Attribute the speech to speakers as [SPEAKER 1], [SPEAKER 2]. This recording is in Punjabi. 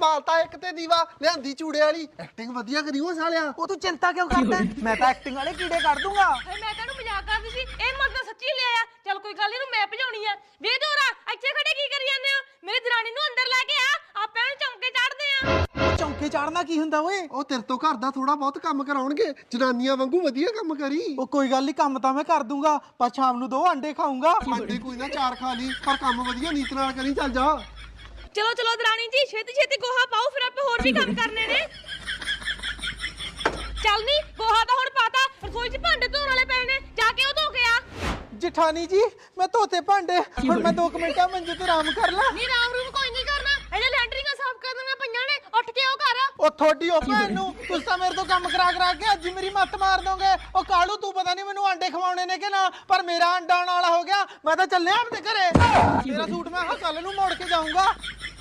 [SPEAKER 1] ਬਾਲਤਾ ਇੱਕ ਤੇ ਦੀਵਾ ਲਿਆਂਦੀ ਚੂੜੇ ਵਾਲੀ ਐਕਟਿੰਗ ਵਧੀਆ ਕਰੀ ਉਹ ਸਾਲਿਆ।
[SPEAKER 2] ਉਹ ਤੂੰ ਚਿੰਤਾ ਕਿਉਂ ਕਰਦਾ ਮੈਂ ਤਾਂ ਐਕਟਿੰਗ ਵਾਲੇ ਕੀੜੇ ਕੱਢ ਦੂੰਗਾ।
[SPEAKER 3] ਮੈਂ ਤੈਨੂੰ ਮਜ਼ਾਕ ਕਰਦੀ ਸੀ ਇਹ ਮਰਦ ਸੱਚੀ ਲਿਆ ਚੱਲ ਕੋਈ ਗੱਲ ਨਹੀਂ ਮੈਂ ਭਜਾਉਣੀ ਆ ਵੇ ਦੋਰਾ ਇੱਥੇ ਖੜੇ ਕੀ ਕਰੀ ਜਾਂਦੇ ਹੋ ਮੇਰੀ ਦਰਾਣੀ ਨੂੰ ਅੰਦਰ ਲੈ ਕੇ ਆ ਆਪਾਂ ਨੂੰ ਚੌਂਕੇ ਚੜਦੇ ਆ।
[SPEAKER 2] ਚੌਂਕੇ ਚੜਨਾ ਕੀ ਹੁੰਦਾ ਓਏ?
[SPEAKER 1] ਉਹ ਤੇਰੇ ਤੋਂ ਘਰ ਦਾ ਥੋੜਾ ਬਹੁਤ ਕੰਮ ਕਰਾਉਣਗੇ ਜਨਾਨੀਆਂ ਵਾਂਗੂ ਵਧੀਆ ਕੰਮ ਕਰੀ।
[SPEAKER 2] ਉਹ ਕੋਈ ਗੱਲ ਨਹੀਂ ਕੰਮ ਤਾਂ ਮੈਂ ਕਰ ਦੂੰਗਾ ਪਰ ਸ਼ਾਮ ਨੂੰ 2 ਅੰਡੇ ਖਾਊਂਗਾ।
[SPEAKER 1] ਅੰਡੇ ਕੋਈ ਨਾ 4 ਖਾ ਲਈ ਪਰ ਕੰਮ ਵਧੀਆ ਨੀਤ ਨਾਲ ਕਰੀ। ਚੱਲ ਜਾ
[SPEAKER 3] ਚਲੋ ਚਲੋ ਦਰਾਣੀ ਜੀ ਛੇਤੀ ਛੇਤੀ ਗੋਹਾ ਪਾਓ ਫਿਰ ਆਪਾਂ ਹੋਰ ਵੀ ਕੰਮ ਕਰਨੇ ਨੇ। ਚੱਲ ਨੀ ਗੋਹਾ ਤਾਂ ਹੁਣ ਪਾਤਾ ਰਸੋਈ 'ਚ ਭਾਂਡੇ ਧੋਣ ਵਾਲੇ ਪਏ ਨੇ ਜਾ ਕੇ ਉਹ ਧੋ ਕੇ ਆ।
[SPEAKER 2] ਜਠਾਣੀ ਜੀ ਮੈਂ ਧੋਤੇ ਭਾਂਡੇ ਹੁਣ ਮੈਂ 2 ਮਿੰਟਾਂ ਮੰਜੇ ਤੇ ਆਰਾਮ ਕਰ ਲਾਂ।
[SPEAKER 3] ਨਹੀਂ ਰਾਮ ਰੂਮ ਕੋਈ ਨਹੀਂ ਕਰਨਾ ਇਹਦੇ ਲੈਂਟਰਿੰਗਾਂ ਸਾਫ਼ ਕਰਨੀਆਂ ਪਈਆਂ ਨੇ ਉੱਠ ਕੇ ਉਹ ਕਰ।
[SPEAKER 2] ਉਹ ਥੋੜੀ ਉਹ ਭੈਣ ਨੂੰ ਤੁਸੀਂ ਤਾਂ ਮੇਰੇ ਤੋਂ ਕੰਮ ਕਰਾ ਕੇ ਅੱਜ ਮੇਰੀ ਮੱਤ ਮਾਰ ਦੋਗੇ। ਉਹ ਕਾਲੂ ਤੂੰ ਪਤਾ ਨਹੀਂ ਮੈਨੂੰ ਆਂਡੇ ਖਵਾਉਣੇ ਨੇ ਕਿ ਨਾ ਪਰ ਮੇਰਾ ਅੰਡਾ ਆਉਣ ਵਾਲਾ ਹੋ ਗਿਆ। ਮੈਂ ਤਾਂ ਚੱਲਿਆ ਆਪਣੇ ਘਰੇ। ਮੇਰਾ ਸੂਟ ਮੈਂ ਕੱਲ ਨੂੰ ਮੋੜ ਕੇ ਜਾਊਂਗਾ।